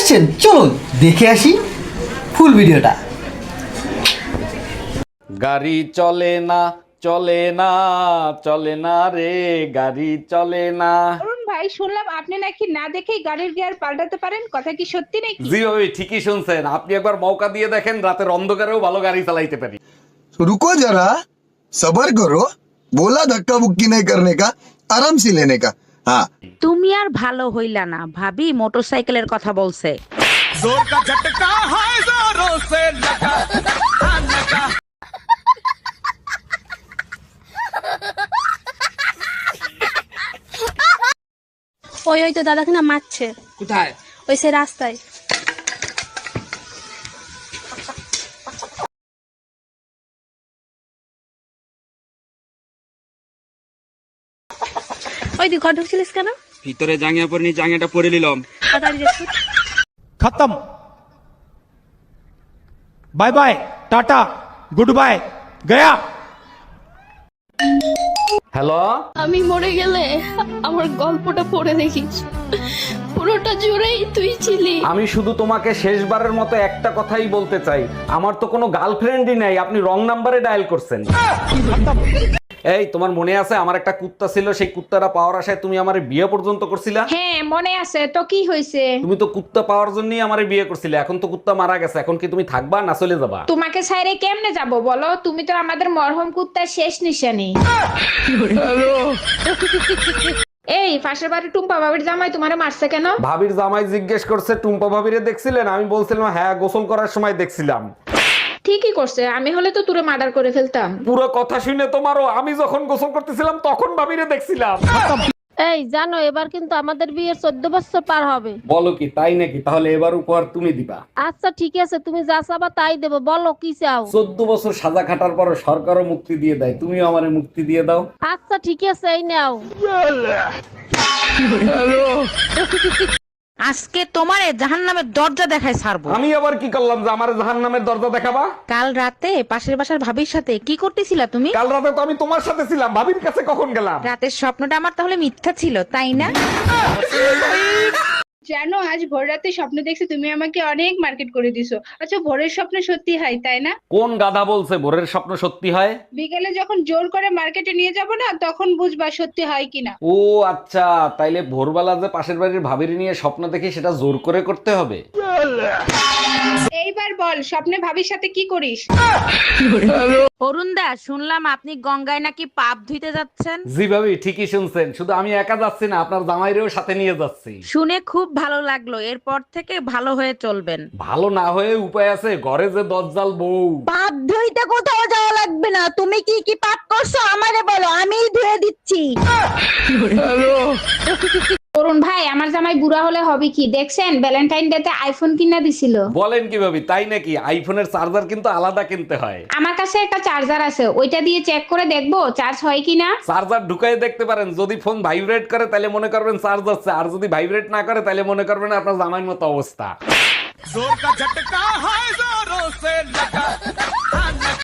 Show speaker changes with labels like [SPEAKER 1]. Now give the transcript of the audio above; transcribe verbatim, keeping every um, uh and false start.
[SPEAKER 1] আসছেন, চলুন দেখে আসি ফুল ভিডিওটা।
[SPEAKER 2] গাড়ি চলে না চলে না চলে না রে, গাড়ি চলে না।
[SPEAKER 3] অরুণ ভাই, শুনলাম আপনি নাকি না দেখেই গাড়ির গিয়ার পাল্টাতে পারেন, কথা কি সত্যি নাকি?
[SPEAKER 2] জি ভাবি, ঠিকই শুনছেন। আপনি একবার মৌকা দিয়ে দেখেন, রাতের অন্ধকারেও ভালো গাড়ি চালাইতে পারি।
[SPEAKER 4] रुको जरा, सबर करो। बोला धक्का बुक्की नहीं करने का, आराम से लेने का। हाँ,
[SPEAKER 5] তুমি আর ভালো হইলা না, ভাবি মোটরসাইকেলের কথা বলছে।
[SPEAKER 6] ওই ওই তো দাদাকে না মারছে।
[SPEAKER 7] কোথায়?
[SPEAKER 6] ওই সে রাস্তায়। ওই তুই ঘর ঢুকছিলিস কেন?
[SPEAKER 7] ভিতরে জাঙ্গিয়া পরে নি, জাঙ্গিয়াটা পরে নিলাম।
[SPEAKER 6] তাড়াতাড়ি যাচ্ছি।
[SPEAKER 8] खत्म। Bye bye, tata, good bye, गया।
[SPEAKER 2] হ্যালো,
[SPEAKER 6] আমি মরে গেলে আমার গল্পটা পড়ে দেখিস, পুরোটা জুড়েই তুই ছিলি।
[SPEAKER 2] আমি শুধু তোমাকে শেষবারের মতো একটা কথাই বলতে চাই, আমার তো কোনো গার্লফ্রেন্ডই নাই, আপনি রং নাম্বারে ডায়াল করছেন। এই, তোমার মনে আছে আমার একটা কুত্তা ছিল, সেই কুত্তাটা পাওয়ার আশায় তুমি আমারে বিয়ে পর্যন্ত করছিলা?
[SPEAKER 3] হ্যাঁ মনে আছে তো, কি হয়েছে?
[SPEAKER 2] তুমি তো কুত্তা পাওয়ার জন্যই আমারে বিয়ে করছিলে, এখন তো কুত্তা মারা গেছে, এখন কি তুমি থাকবা না চলে যাবা?
[SPEAKER 3] তোমাকে ছাইরে কেমনে যাব বলো? তুমি তো আমাদের মরহম কুত্তার শেষ নিশানি। এই পাশের বাড়ি টুম্পা বাবির জামাই তোমারে মারছে কেন?
[SPEAKER 2] ভাবির জামাই জিজ্ঞেস করছে টুম্পা ভাবিরে দেখছিলেন? আমি বলছিলাম হ্যাঁ, গোসল করার সময় দেখছিলাম।
[SPEAKER 3] ঠিকই করছে, আমি হলে তো তুরে মার্ডার করে ফেলতাম।
[SPEAKER 2] পুরো কথা শুনে তোমারও, আমি যখন গোসল করতেছিলাম তখন ভাবিরে দেখছিলাম।
[SPEAKER 6] এই জানো, এবার কিন্তু আমাদের বিয়ের চোদ্দ বছর পার হবে।
[SPEAKER 2] বলো কি, তাই নাকি? তাহলে এবার উপহার তুমি দিবা।
[SPEAKER 6] আচ্ছা ঠিক আছে, তুমি যা চাবা তাই দেবো, বলো কি চাও?
[SPEAKER 2] চোদ্দ বছর সাজা খাটার পর সরকারও মুক্তি দিয়ে দেয়, তুমিও আমারে মুক্তি দিয়ে দাও।
[SPEAKER 6] আচ্ছা ঠিক আছে, এই নাও।
[SPEAKER 5] আজকে তোমারে জাহান্নামের দরজা দেখায় ছাড়বো।
[SPEAKER 2] আমি আবার কি করলাম যে আমার জাহান্নামের দরজা দেখাবা?
[SPEAKER 5] কাল রাতে পাশের বাসার ভাবির সাথে কি করতেছিলা তুমি?
[SPEAKER 2] কাল রাতে তো আমি তোমার সাথে ছিলাম, ভাবির কাছে কখন গেলাম?
[SPEAKER 5] রাতের স্বপ্নটা আমার তাহলে মিথ্যা ছিল, তাই না?
[SPEAKER 3] জানো, আজ ভোর রাতে স্বপ্ন দেখছি তুমি আমাকে অনেক মার্কেট করে দিছো। আচ্ছা, ভোরের স্বপ্ন সত্যি হয় তাই না?
[SPEAKER 2] কোন গাধা বলছে ভোরের স্বপ্ন সত্যি হয়?
[SPEAKER 3] বিকেলে যখন জোর করে মার্কেটে নিয়ে যাব না, তখন বুঝবা সত্যি হয় কিনা।
[SPEAKER 2] ও আচ্ছা, তাইলে ভোরবেলা যে পাশের বাড়ির ভাবির নিয়ে স্বপ্ন দেখি সেটা জোর করে করতে হবে।
[SPEAKER 3] এইবার বল, স্বপ্নে ভাবির সাথে কি করিস?
[SPEAKER 5] অরুণ দা, শুনলাম আপনি গঙ্গায় নাকি পাপ ধুইতে যাচ্ছেন।
[SPEAKER 2] জি ভাবি, ঠিকই শুনছেন। শুধু আমি একা যাচ্ছি না, আপনার জামাইরেও সাথে নিয়ে যাচ্ছি।
[SPEAKER 5] শুনে খুব ভালো লাগলো, এরপর থেকে ভালো হয়ে চলবেন।
[SPEAKER 2] ভালো না হয়ে উপায় আছে, ঘরে যে দজ্জাল বউ।
[SPEAKER 5] পাপ ধুইতে কোথাও যাওয়া লাগবে না, তুমি কি কি পাপ করছো আমারে বলো, আমিই ধুয়ে দিচ্ছি।
[SPEAKER 3] অরুণ ভাই, আমার জামাই বুড়া হলে হবে কি দেখছেন? ভ্যালেন্টাইন ডে তে আইফোন কিনা দিছিল।
[SPEAKER 2] বলেন কি ভাবি, তাই নাকি? আইফোনের চার্জার কিন্তু আলাদা কিনতে হয়।
[SPEAKER 3] আমার কাছে একটা চার্জার আছে, ওইটা দিয়ে চেক করে দেখবো চার্জ হয় কিনা।
[SPEAKER 2] চার্জার ঢুকাই দেখতে পারেন, যদি ফোন ভাইব্রেট করে তাহলে মনে করবেন চার্জ হচ্ছে, আর যদি ভাইব্রেট না করে তাহলে মনে করবেন আপনার জামাইয়ের মতো অবস্থা।